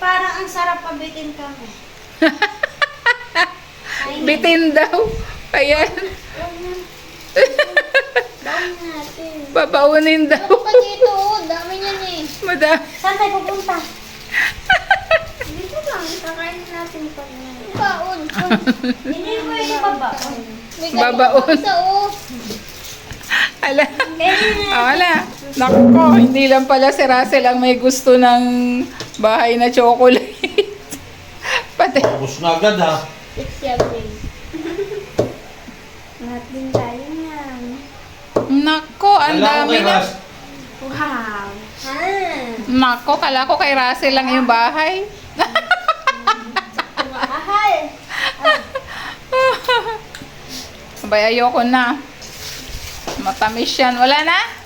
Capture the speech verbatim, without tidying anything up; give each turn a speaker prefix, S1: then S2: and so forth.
S1: parang ang sarap pabitin kami.
S2: Bitin daw. Ayan.
S1: Down natin.
S2: Babaunin daw.
S3: Ano ka dito? Oh, dami niyan eh.
S2: Madam.
S1: Saan tayo pupunta? Dito lang, kakain natin pa niya.
S3: Baon.
S1: Hindi mo yung babaon.
S3: May
S2: Babaon.
S3: ganito isa oh.
S2: Ala. Ah, wala. Naku ko, hindi lang pala si Russell ang may gusto ng bahay na chocolate. Pati.
S4: Tapos na agad ha.
S3: It's yummy.
S1: Lahat din tayo niyan.
S2: Nako, ang
S4: Kailangan
S2: dami
S4: kay
S2: na.
S4: Ras.
S1: Wow. Ha?
S2: Nako, kala ko kay Russell lang yung bahay.
S1: Mahal.
S2: Abay, ayoko na. Matamis yan. Wala na?